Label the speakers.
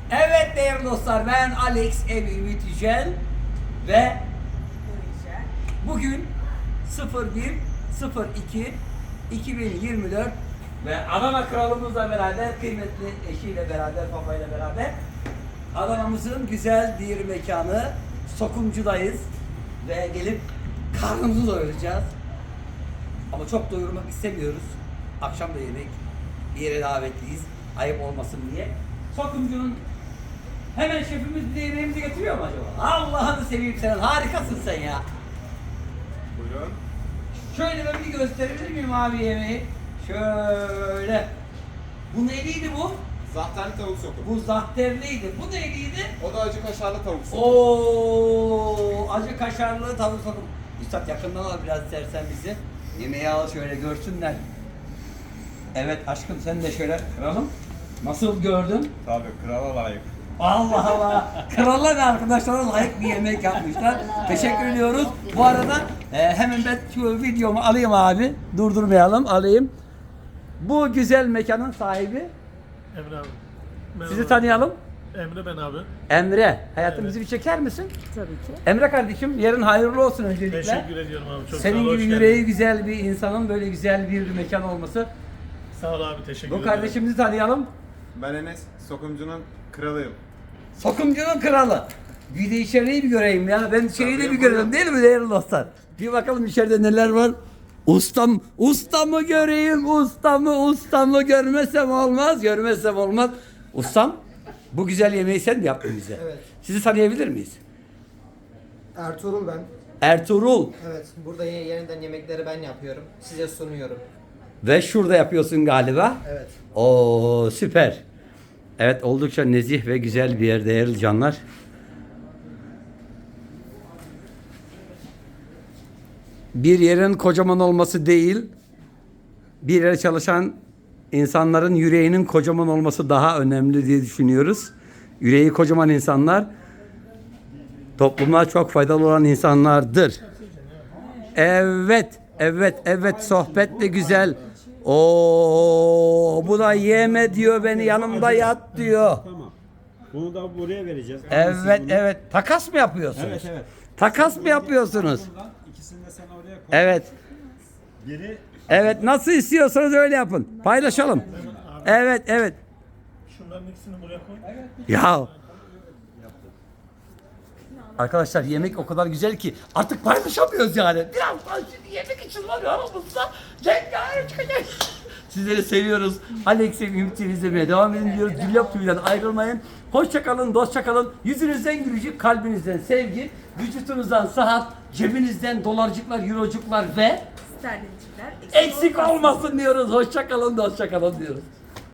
Speaker 1: Evet değerli dostlar, ben Alex Ümit Yücel ve bugün 01.02.2024 ve Adana kralımızla beraber, kıymetli eşiyle beraber, babayla beraber Adana'mızın güzel bir mekanı Sokumcu'dayız ve gelip karnımızı doyuracağız. Ama çok doyurmak istemiyoruz. Akşam da yemek, bir yere davetliyiz. Ayıp olmasın diye. Sokumcu'nun hemen şefimiz bize yemeğimizi getiriyor mu acaba? Allah'ını seveyim senin, harikasın sen ya.
Speaker 2: Buyurun.
Speaker 1: Şöyle ben bir gösterebilir miyim abi yemeği? Şöyle. Bu neyliydi bu?
Speaker 2: Zahterli tavuk sokum.
Speaker 1: Bu zahterliydi. Bu neyliydi?
Speaker 2: O da acı kaşarlı tavuk sokum.
Speaker 1: Oo, acı kaşarlı tavuk sokum. Üstad yakından al biraz istersen bizi. Yemeği al şöyle görsünler. Evet aşkım sen de şöyle kralım. Nasıl gördün?
Speaker 2: Tabii krala layık.
Speaker 1: Allah Allah. Krallar ve arkadaşlara layık bir yemek yapmışlar. Teşekkür ediyoruz. Bu arada hemen ben şu videomu alayım abi. Durdurmayalım. Alayım. Bu güzel mekanın sahibi.
Speaker 3: Emre abi. Merhaba.
Speaker 1: Sizi tanıyalım.
Speaker 3: Emre ben abi.
Speaker 1: Emre. Hayatımızı bir çeker misin?
Speaker 4: Tabii ki.
Speaker 1: Emre kardeşim yarın hayırlı olsun öncelikle.
Speaker 3: Teşekkür ediyorum abi. Çok
Speaker 1: Senin
Speaker 3: sağ ol.
Speaker 1: gibi
Speaker 3: hoş
Speaker 1: yüreği
Speaker 3: geldin.
Speaker 1: güzel bir insanın böyle güzel bir mekan olması.
Speaker 3: Sağ ol abi. Teşekkür
Speaker 1: Bu
Speaker 3: ederim.
Speaker 1: kardeşimizi tanıyalım.
Speaker 2: Ben Enes, sokumcunun kralıyım.
Speaker 1: Sokumcunun kralı. Bir de içeriği bir göreyim ya. Ben şeyi de bir
Speaker 2: Tabii,
Speaker 1: görelim
Speaker 2: buyurun.
Speaker 1: değil mi değerli dostlar? Bir bakalım içeride neler var. Ustamı göreyim, ustamı görmesem olmaz, görmesem olmaz. Ustam, bu güzel yemeği sen mi yaptın bize?
Speaker 5: Evet.
Speaker 1: Sizi tanıyabilir miyiz?
Speaker 5: Ertuğrul ben.
Speaker 1: Ertuğrul
Speaker 5: Evet, burada yeniden yemekleri ben yapıyorum. Size sunuyorum.
Speaker 1: ve şurada yapıyorsun galiba.
Speaker 5: Evet.
Speaker 1: Oo süper. Evet oldukça nezih ve güzel bir yer değerli canlar. Bir yerin kocaman olması değil, bir yere çalışan insanların yüreğinin kocaman olması daha önemli diye düşünüyoruz. Yüreği kocaman insanlar topluma çok faydalı olan insanlardır. Evet sohbet de güzel. Oo bu da yeme diyor beni yanımda yat diyor.
Speaker 6: Tamam. Bunu da buraya vereceğiz.
Speaker 1: Evet. Takas mı yapıyorsunuz?
Speaker 6: Evet.
Speaker 1: Takas mı yapıyorsunuz?
Speaker 6: Buradan ikisini de sen oraya koy.
Speaker 1: Evet.
Speaker 6: Biri
Speaker 1: Evet nasıl istiyorsanız öyle yapın. Paylaşalım. Evet.
Speaker 3: Şunların ikisini buraya koy.
Speaker 1: Ya. Arkadaşlar yemek o kadar güzel ki artık paylaşamıyoruz yani. Birazdan şimdi yemek için var ya aramızda. Cengaver çıkacak. Sizleri seviyoruz. Alex'e Ümit izlemeye devam edin diyoruz. Güllap TV'den ayrılmayın. Hoşça kalın, dostça kalın. Yüzünüzden gülücük, kalbinizden sevgi, vücutunuzdan sıhhat, cebinizden dolarcıklar, eurocuklar ve
Speaker 4: Sterlincikler
Speaker 1: eksik olmasın diyoruz. Hoşça kalın, dostça kalın diyoruz.